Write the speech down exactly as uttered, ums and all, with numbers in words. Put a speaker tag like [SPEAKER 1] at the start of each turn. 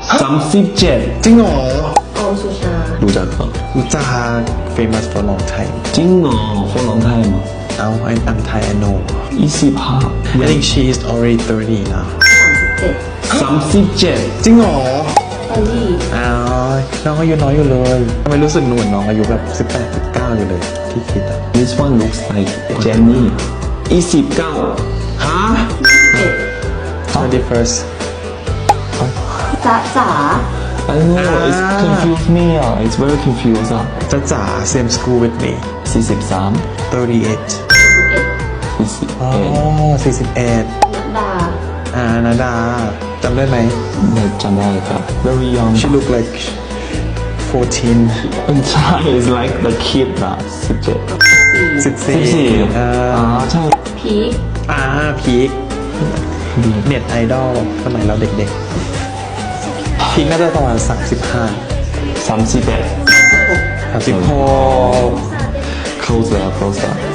[SPEAKER 1] สามสิบเจ็ด
[SPEAKER 2] จริงเหรอ
[SPEAKER 3] โอสุชา
[SPEAKER 1] รู้จักเหรอ
[SPEAKER 2] รู้จัก famous for long time
[SPEAKER 1] จริงเหรอคนร้องไห้มั้ง
[SPEAKER 2] เอา I'm Thai I know
[SPEAKER 1] ยี่สิบห้า
[SPEAKER 2] I think she is already thirty now
[SPEAKER 3] สามสิบเจ็ด
[SPEAKER 1] สามสิบเจ็ด
[SPEAKER 2] จริงเหรอ
[SPEAKER 3] ตอนที่
[SPEAKER 2] อ้าวน้องอายุน้อยอยู่เลยทำไมรู้สึกเหมือนน้องอายุแบบสิบแปดสิบเก้าอยู่เลยที่คิดอ่ะ
[SPEAKER 1] This one looks like Jenny ยี่สิบเก้าฮะ
[SPEAKER 3] เจ็ด
[SPEAKER 2] twenty-first
[SPEAKER 3] จ๊ะจ๋า
[SPEAKER 1] I know it's confused me อ่ะ it's very confused อ่ะ
[SPEAKER 2] จ้าจ๋า same school with me
[SPEAKER 1] สี่สิบสาม
[SPEAKER 2] thirty-eight
[SPEAKER 1] สี่สิบ
[SPEAKER 2] อ๋อ
[SPEAKER 1] เอ็ด
[SPEAKER 2] สี่สิบเอ็ด
[SPEAKER 3] นัดดา
[SPEAKER 2] อ่านาดาจำได้ไหม
[SPEAKER 1] ไม่จำได้ครับ very young
[SPEAKER 2] she look like fourteen
[SPEAKER 1] ไม่ใช่ it's like the kid นะสิบเจ็ด
[SPEAKER 2] สิบสี่
[SPEAKER 1] สิบสี่
[SPEAKER 2] อ่า
[SPEAKER 1] อ่าใช่
[SPEAKER 3] พีค
[SPEAKER 2] อ่าพีคเน็ตไอดอลสมัยเราเด็กๆพีคน่าจะประมาณสามสิบห้า
[SPEAKER 1] สามสิบเอ็ด
[SPEAKER 2] สามสิบหก
[SPEAKER 1] close แล้ว close แล้ว